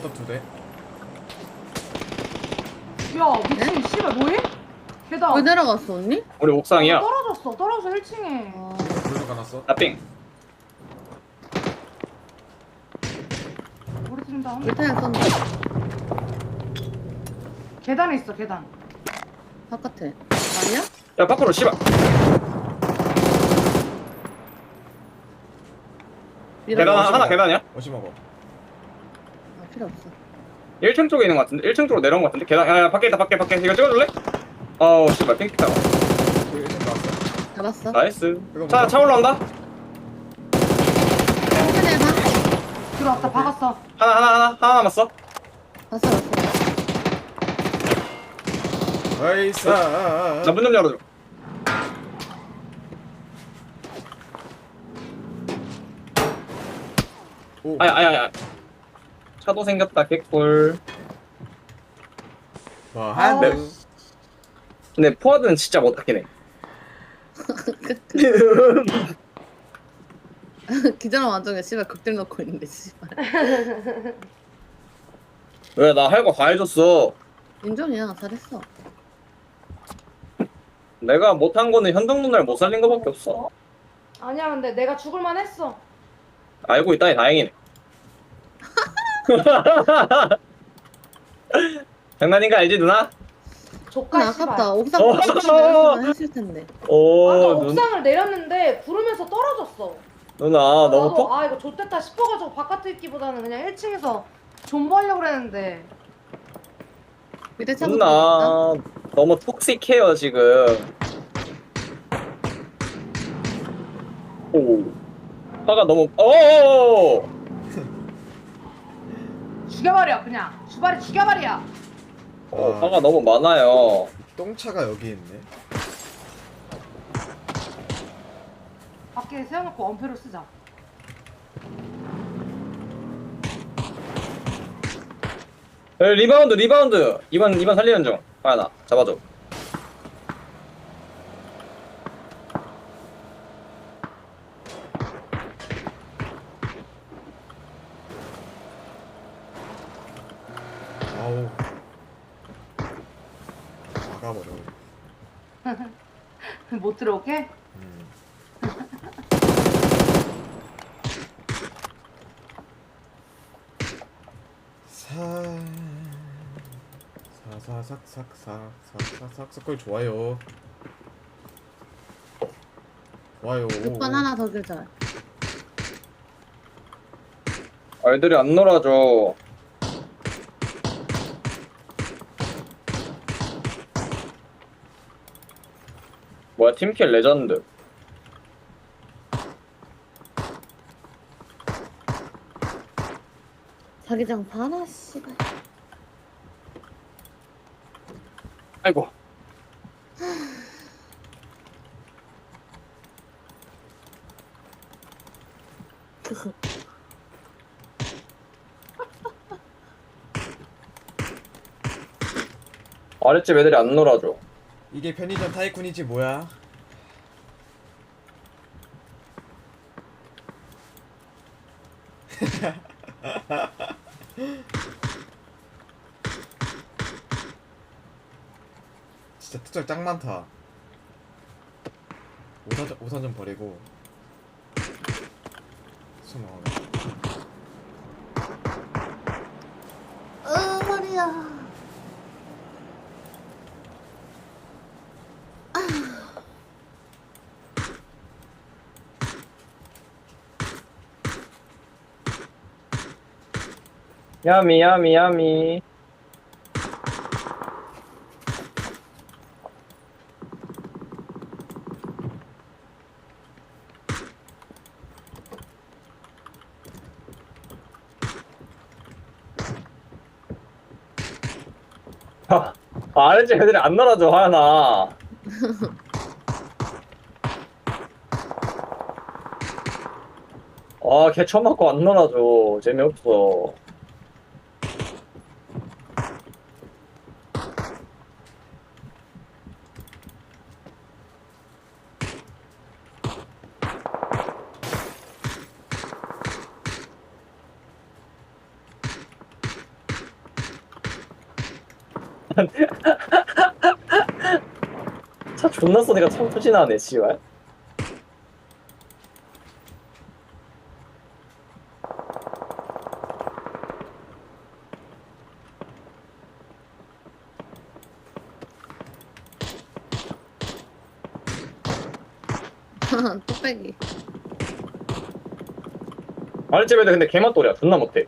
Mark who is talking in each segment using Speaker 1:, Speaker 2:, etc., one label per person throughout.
Speaker 1: 포탑 2대.
Speaker 2: 야 미친 씨발 뭐해? 계단
Speaker 3: 왜 내려갔어 언니?
Speaker 4: 우리 옥상이야.
Speaker 2: 떨어졌어. 떨어져서 1층에
Speaker 3: 아,
Speaker 1: 불도 가놨어.
Speaker 4: 나삥.
Speaker 2: 우리 팀 다.
Speaker 3: 밑에 쏜다.
Speaker 2: 계단에 있어 계단.
Speaker 3: 바깥에. 아니야?
Speaker 4: 야 밖으로 씨발. 계단 하나 계단이야?
Speaker 1: 어시 먹어.
Speaker 3: 아 필요 없어.
Speaker 4: 1층 쪽에 있는 것 같은데? 1층 쪽으로 내려온 것 같은데? 계단 야 밖에 있다 밖에 이거 찍어줄래? 어우 씨발 핑크 타워.
Speaker 1: 1층 나왔어.
Speaker 3: 잡았어.
Speaker 4: 나이스.
Speaker 1: 이거
Speaker 4: 차 올라온다.
Speaker 3: 천천히 해봐.
Speaker 2: 들어왔다 박았어.
Speaker 4: 하나 남았어.
Speaker 3: 봤어 봤어.
Speaker 1: 나이스.
Speaker 4: 나 문 좀 열어줘.
Speaker 1: 오.
Speaker 4: 아야. 차도 생겼다 개꿀.
Speaker 1: 와,
Speaker 2: 아,
Speaker 1: 한
Speaker 4: 근데 포화드는 진짜 못하긴 해.
Speaker 3: 기자랑 완전히 씨발 극딜 넣고 있는데 씨발.
Speaker 4: 왜 나 할 거 다 해줬어.
Speaker 3: 인정이야 잘했어.
Speaker 4: 내가 못한 거는 현동 누나를 못 살린 거밖에 없어.
Speaker 2: 아니야 근데 내가 죽을만 했어.
Speaker 4: 알고 있다니 다행이네. 장난인 거 알지 누나?
Speaker 2: 조카
Speaker 3: 아,
Speaker 2: 씨발.
Speaker 3: 아깝다. 옥상
Speaker 4: 어.
Speaker 3: 내렸으면 했을 텐데.
Speaker 4: 오
Speaker 2: 아까
Speaker 4: 누,
Speaker 2: 옥상을 내렸는데 구르면서 떨어졌어.
Speaker 4: 누나 너무
Speaker 2: 나도
Speaker 4: 퍽.
Speaker 2: 아 이거 좆됐다 싶어가지고 바깥에 있기보다는 그냥 1층에서 존버하려고 그랬는데
Speaker 3: 밑에 차고
Speaker 4: 누나 너무 톡식해요 지금. 오 화가 너무 오
Speaker 2: 죽여버려 그냥 주발이 죽여버려.
Speaker 4: 화가 너무 많아요.
Speaker 1: 똥차가 여기 있네.
Speaker 2: 밖에 세워놓고 엄폐로 쓰자.
Speaker 4: 리바운드 2번 살리는 중. 하나 잡아줘.
Speaker 1: 아우. 막아버려.
Speaker 2: 못 들어오게?
Speaker 1: 사. 사사삭삭삭삭삭삭 좋아요. 좋아요.
Speaker 3: 6번 하나 더 기절.
Speaker 4: 애들이 안 놀아줘. 뭐야 팀킬 레전드.
Speaker 3: 자기장 봐라 씨발.
Speaker 4: 아이고. 아랫집 애들이 안 놀아줘.
Speaker 1: 이게 편의점 타이쿤이지 뭐야? 진짜 특정 짱 많다. 우산 좀 버리고 숨어.
Speaker 3: 허리야.
Speaker 4: 야미. 아랫집 애들이 안 놀아줘 하연아. 걔 처음 맞고 안 놀아줘. 재미없어. 차 존나 쏘니까 참 푸진하네 씨발.
Speaker 3: 뚝배기.
Speaker 4: 아랫집 애들 근데 개맛돌이야. 존나 못해.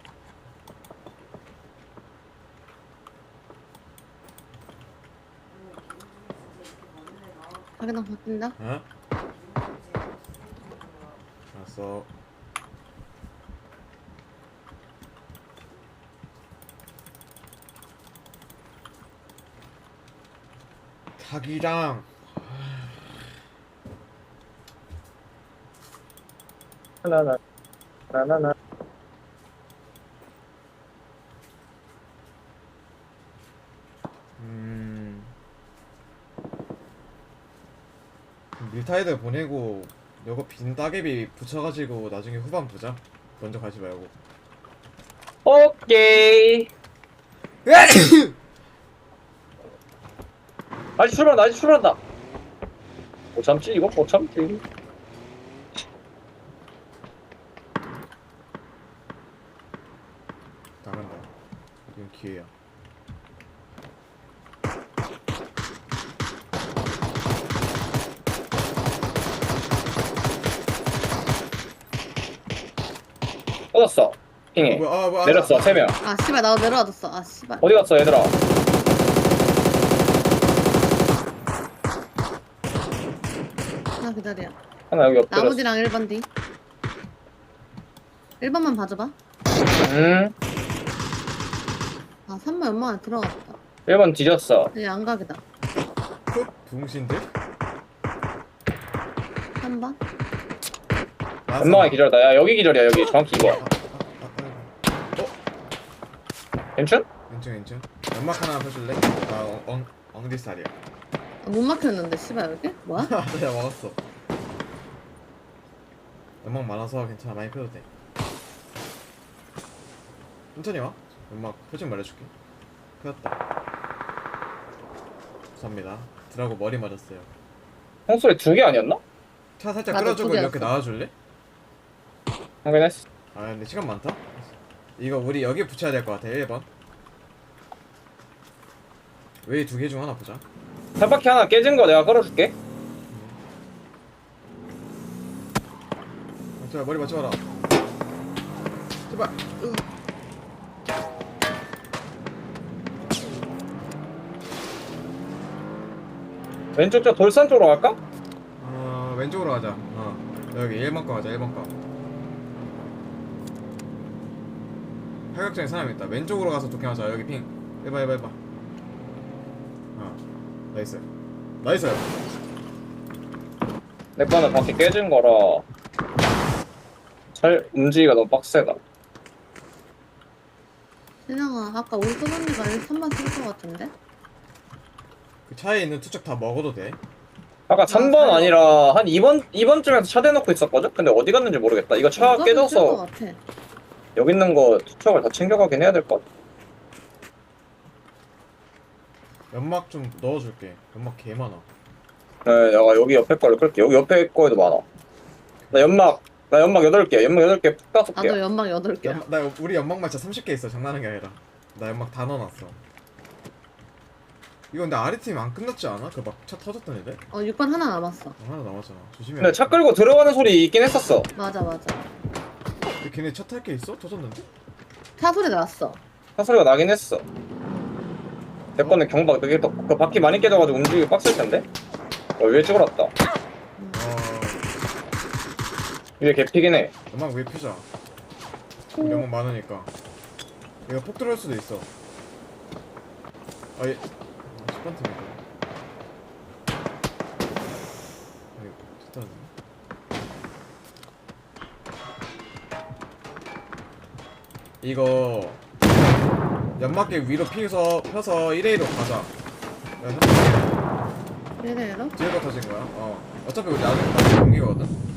Speaker 3: 자기장 바뀐다.
Speaker 1: 어? 알았어. 자기장.
Speaker 4: 하나나 하나나.
Speaker 1: 밀타이드 보내고 요거 빈 따개비 붙여가지고 나중에 후반 보자. 먼저 가지 말고.
Speaker 4: 오케이. 아직 출발한다. 아직 출발한다. 못 참지 이거 못 참지.
Speaker 1: 나간다. 이건 기회야.
Speaker 4: 뻗었어. 핑해. 내렸어. 3명.
Speaker 3: 아 씨발 나도 내려와줬어. 아 씨발.
Speaker 4: 어디 갔어 얘들아?
Speaker 3: 하나 기다려.
Speaker 4: 하나 여기 엎드렸어.
Speaker 3: 나머지랑 1번 뒤. 1번만 봐줘봐. 아 3번 연막 안에 들어갔다.
Speaker 4: 1번 뒤졌어.
Speaker 3: 이제 안각이다.
Speaker 1: 흑 붕신들?
Speaker 3: 3번.
Speaker 4: 연막이 기절이다. 야 여기 기절이야. 여기 정확히 이거. 괜찮?
Speaker 1: 왼쪽. 연막 하나 펴줄래? 아 엉디살이야.
Speaker 3: 못 막혔는데 씨발 여기? 뭐야?
Speaker 1: 내가 먹었어. 연막 많아서 괜찮아. 많이 펴도 돼. 천천히 와. 연막 표정 말해줄게. 펴었다. 감사합니다. 드라고 머리 맞았어요.
Speaker 4: 홍소리 2개 아니었나?
Speaker 1: 차 살짝
Speaker 3: 맞아,
Speaker 1: 끌어주고
Speaker 3: 두 개였어.
Speaker 1: 이렇게 나와줄래?
Speaker 4: 확인했어.
Speaker 1: 아 근데 시간 많다? 이거 우리 여기 붙여야 될 것 같아. 1번 웨이 2개 중 하나 보자.
Speaker 4: 탑바퀴 하나 깨진 거 내가 끌어줄게.
Speaker 1: 제발 머리 맞춰봐라. 제발.
Speaker 4: 왼쪽 저 돌산 쪽으로 갈까?
Speaker 1: 왼쪽으로 가자. 여기 1번 거 가자. 1번 거. 팔각정에 사람 있다. 왼쪽으로 가서 도킹하자. 여기 핑. 해봐. 나이스.
Speaker 4: 내 거는 바퀴 깨진 거라 잘 움직이기가 너무 빡세다.
Speaker 3: 신영아 아까 우리 소언니가 3번 쓸 것 같은데?
Speaker 1: 그 차에 있는 투척 다 먹어도 돼.
Speaker 4: 아까 3번 아니라 한 2번쯤에서 차 대놓고 있었거든? 근데 어디 갔는지 모르겠다. 이거 차
Speaker 3: 쓸것
Speaker 4: 깨져서
Speaker 3: 같아.
Speaker 4: 여기 있는 거 투척을 다 챙겨가긴 해야 될 것 같아.
Speaker 1: 연막 좀 넣어줄게. 연막 개 많아.
Speaker 4: 네, 내가 여기 옆에 거를 끌게. 여기 옆에 거에도 많아. 나 연막 8개. 연막 8개 푹 5개.
Speaker 3: 나도 연막 8개야.
Speaker 1: 나 우리 연막만 진짜 30개 있어. 장난하는 게 아니라. 나 연막 다 넣어놨어. 이거 근데 아래팀 안 끝났지 않아? 그 막 차 터졌던 애들?
Speaker 3: 6번 하나 남았어.
Speaker 1: 하나 남았잖아. 조심해.
Speaker 4: 근데 차 끌고 들어가는 소리 있긴 했었어.
Speaker 3: 맞아.
Speaker 1: 근데 걔네 차 탈 게 있어? 터졌는데?
Speaker 3: 차 소리 났어.
Speaker 4: 차 소리가 나긴 했어. 내 거는 경박 되게 그 바퀴 많이 깨져가지고 움직이기 빡셀 텐데. 위에 찍어놨다. 위에 개피긴 해.
Speaker 1: 연막 위에 피자. 우리 연막 많으니까. 이거 폭 들어올 수도 있어. 아예 10번 팀이다. 아이고 좋다. 이거 연막계 위로 펴서 1A로 가자.
Speaker 3: 이래로?
Speaker 1: 뒤에가 터진 거야. 어차피 우리 나중에 옮기거든.